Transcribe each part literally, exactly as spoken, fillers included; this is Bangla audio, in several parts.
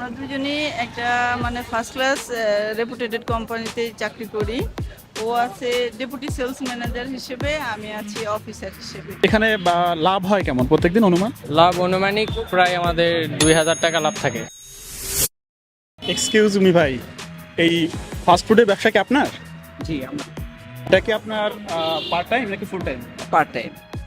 আমরা দুজনেই একটা মানে ফার্স্ট ক্লাস রেপুটেটেড কোম্পানিতে চাকরি করি। ও আছে ডেপুটি সেলস ম্যানেজার হিসেবে, আমি আছি অফিসার হিসেবে। এখানে বা লাভ হয় কেমন প্রত্যেকদিন অনুমান? লাভ অনুমানিক প্রায় আমাদের দুই হাজার টাকা লাভ থাকে। এক্সকিউজ মি ভাই, এই ফাস্ট ফুডের ব্যবসা কি আপনার? জি আমরা এটা কি আপনার পার্ট টাইম নাকি ফুল টাইম? Part time.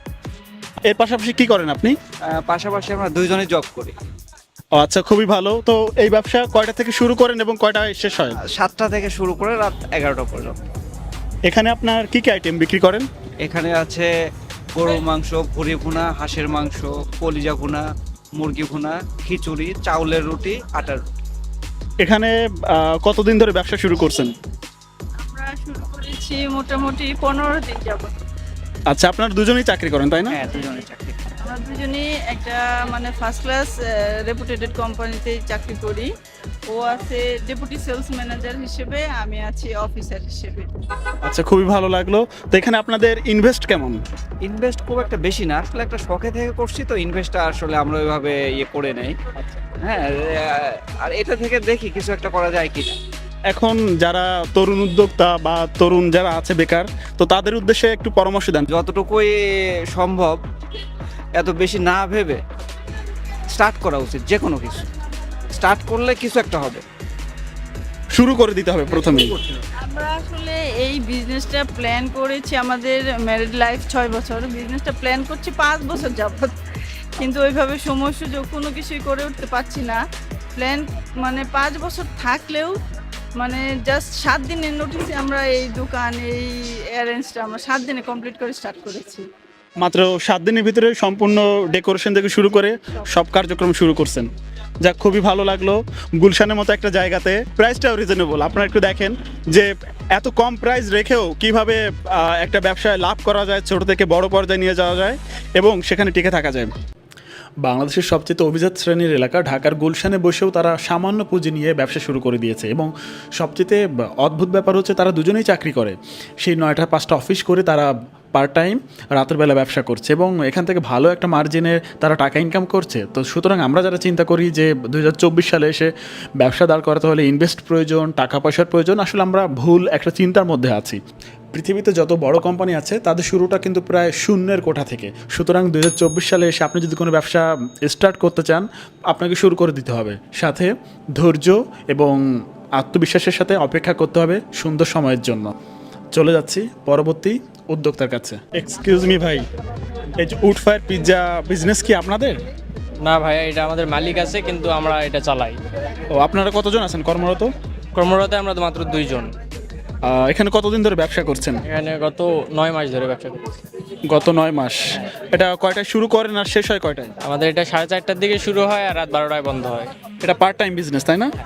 এর পাশাপাশি কি করেন আপনি? পাশাপাশি আমরা দুইজনে জব করি। ও আচ্ছা, খুবই ভালো। তো এই ব্যবসা কয়টা থেকে শুরু করেন এবং কয়টায় শেষ হয়? সাতটা থেকে শুরু করে রাত এগারোটা পর্যন্ত। এখানে আপনার কি কি আইটেম বিক্রি করেন? এখানে আছে গরুর মাংস, ভুড়ি ভুনা, হাঁসের মাংস, কলিজা ভুনা, মুরগি ভুনা, খিচুড়ি, চাউলের রুটি, আটার রুটি। এখানে আহ, কতদিন ধরে ব্যবসা শুরু করছেন? আমরা শুরু করেছি মোটামুটি পনেরো দিন যাবত। আচ্ছা, আপনার দুজনেই চাকরি করেন তাই না? হ্যাঁ, দুজনে চাকরি। আমরা দুজনেই একটা মানে ফার্স্ট ক্লাস রেপুটেটেড কোম্পানিতে চাকরি করি। ও আছে ডেপুটি সেলস ম্যানেজার হিসেবে, আমি আছি অফিসার হিসেবে। আচ্ছা, খুবই ভালো লাগলো। তো এখানে আপনাদের ইনভেস্ট কেমন? ইনভেস্ট খুব একটা বেশি না, আসলে একটা শখে থেকে করছি তো ইনভেস্টটা আসলে আমরা ওইভাবে ইয়ে করে নেই। হ্যাঁ, আর এটা থেকে দেখি কিছু একটা করা যায় কিনা। এখন যারা তরুণ উদ্যোক্তা বা তরুণ যারা আছে বেকার, তো তাদের উদ্দেশ্যে একটু পরামর্শ দেন। যতটুকুই সম্ভব এত বেশি না ভেবে স্টার্ট করা উচিত। যে কোনো কিছু স্টার্ট করলে কিছু একটা হবে। শুরু করে দিতে হবে প্রথমেই। আমরা আসলে এই বিজনেসটা প্ল্যান করেছি, আমাদের ম্যারিড লাইফ ছয় বছর, বিজনেসটা প্ল্যান করছি পাঁচ বছর যাবত, কিন্তু ওইভাবে সময় সুযোগ কোনো কিছুই করে উঠতে পারছি না। প্ল্যান মানে পাঁচ বছর থাকলেও মানে জাস্ট সাত দিনের নোটিসে আমরা এই দোকান এই অ্যারেঞ্জটা আমরা সাত দিনে কমপ্লিট করে স্টার্ট করেছি। মাত্র সাত দিনের ভিতরে সম্পূর্ণ ডেকোরেশন থেকে শুরু করে সব কার্যক্রম শুরু করছেন। যাক, খুবই ভালো লাগলো। গুলশানের মতো একটা জায়গাতে প্রাইসটাও রিজনেবল। আপনারা একটু দেখেন যে এত কম প্রাইস রেখেও কিভাবে আহ, একটা ব্যবসায় লাভ করা যায়, ছোট থেকে বড় পর্যায়ে নিয়ে যাওয়া যায় এবং সেখানে টিকে থাকা যায়। বাংলাদেশের সবচেয়ে অভিজাত শ্রেণীর এলাকা ঢাকার গুলশানে বসেও তারা সামান্য পুঁজি নিয়ে ব্যবসা শুরু করে দিয়েছে এবং সবচেয়ে অদ্ভুত ব্যাপার হচ্ছে তারা দুজনেই চাকরি করে। সেই নয়টা পাঁচটা অফিস করে তারা পার্ট টাইম রাতের বেলা ব্যবসা করছে এবং এখান থেকে ভালো একটা মার্জিনে তারা টাকা ইনকাম করছে। তো সুতরাং আমরা যারা চিন্তা করি যে দু হাজার চব্বিশ সালে এসে ব্যবসা দাঁড় করাতে হলে ইনভেস্ট প্রয়োজন, টাকা পয়সার প্রয়োজন, আসলে আমরা ভুল একটা চিন্তার মধ্যে আছি। পৃথিবীতে যত বড় কোম্পানি আছে তাদের শুরুটা কিন্তু প্রায় শূন্যের কোঠা থেকে। সুতরাং দু হাজার চব্বিশ সালে এসে আপনি যদি কোনো ব্যবসা স্টার্ট করতে চান, আপনাকে শুরু করে দিতে হবে। সাথে ধৈর্য এবং আত্মবিশ্বাসের সাথে অপেক্ষা করতে হবে সুন্দর সময়ের জন্য। চলে যাচ্ছি পরবর্তী উদ্যোক্তার কাছে। এক্সকিউজ মি ভাই, এই যে উড ফায়ার পিৎজা বিজনেস কি আপনাদের? না ভাইয়া, এটা আমাদের মালিক আছে কিন্তু আমরা এটা চালাই। ও, আপনারা কতজন আছেন কর্মরত? কর্মরত আমরা তো মাত্র দুইজন। আহ, এখানে কতদিন ধরে ব্যবসা করছেন? এখানে গত নয় মাস ধরে ব্যবসা করছি। গত নয় মাস। এটা কয়টায় শুরু করেন আর শেষ হয় কয়টায়? আমাদের এটা সাড়ে চারটার দিকে শুরু হয় আর রাত বারোটায় বন্ধ হয়। এটা পার্ট টাইম বিজনেস তাই না?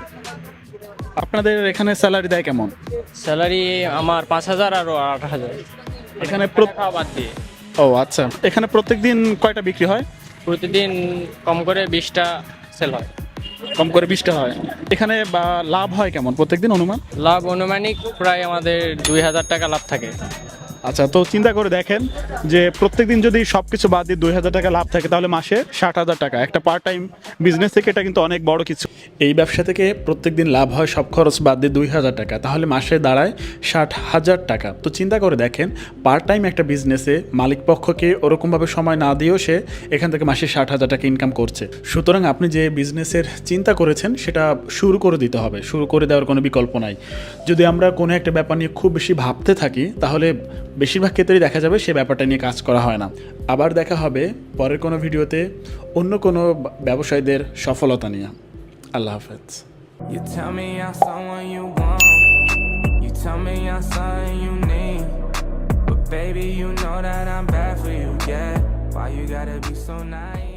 আপনাদের এখানে স্যালারি দেয় কেমন? স্যালারি আমার পাঁচ হাজার আর আট হাজার এখানে খাওয়া বাদ দিয়ে। ও আচ্ছা, এখানে প্রত্যেক দিন কয়টা বিক্রি হয়? প্রতিদিন কম করে বিশটা সেল হয়। কম করে বিশটা হয়। এখানে বা লাভ হয় কেমন প্রত্যেকদিন অনুমান? লাভ অনুমানিক প্রায় আমাদের দুই হাজার টাকা লাভ থাকে। আচ্ছা, তো চিন্তা করে দেখেন যে প্রত্যেকদিন যদি সব কিছু বাদ দিয়ে দুই হাজার টাকা লাভ থাকে তাহলে মাসে ষাট হাজার টাকা। একটা পার্ট টাইম বিজনেস থেকে এটা কিন্তু অনেক বড় কিছু। এই ব্যবসা থেকে প্রত্যেকদিন লাভ হয় সব খরচ বাদ দিয়ে দুই হাজার টাকা, তাহলে মাসে দাঁড়ায় ষাট হাজার টাকা। তো চিন্তা করে দেখেন, পার্ট টাইম একটা বিজনেসে মালিক পক্ষকে ওরকমভাবে সময় না দিয়েও সে এখান থেকে মাসে ষাট হাজার টাকা ইনকাম করছে। সুতরাং আপনি যে বিজনেসের চিন্তা করেছেন সেটা শুরু করে দিতে হবে, শুরু করে দেওয়ার কোনো বিকল্প নাই। যদি আমরা কোনো একটা ব্যাপার নিয়ে খুব বেশি ভাবতে থাকি তাহলে বেশিরভাগ ক্ষেত্রেই দেখা যাবে সে ব্যাপারটা নিয়ে কাজ করা হয় না। আবার দেখা হবে পরের কোনো ভিডিওতে অন্য কোনো ব্যবসায়ীদের সফলতা নিয়ে। আল্লাহ হাফেজ। You tell me I'm someone you want. You tell me I'm something you need. But baby, you know that I'm bad for you, yeah. Why you gotta be so nice?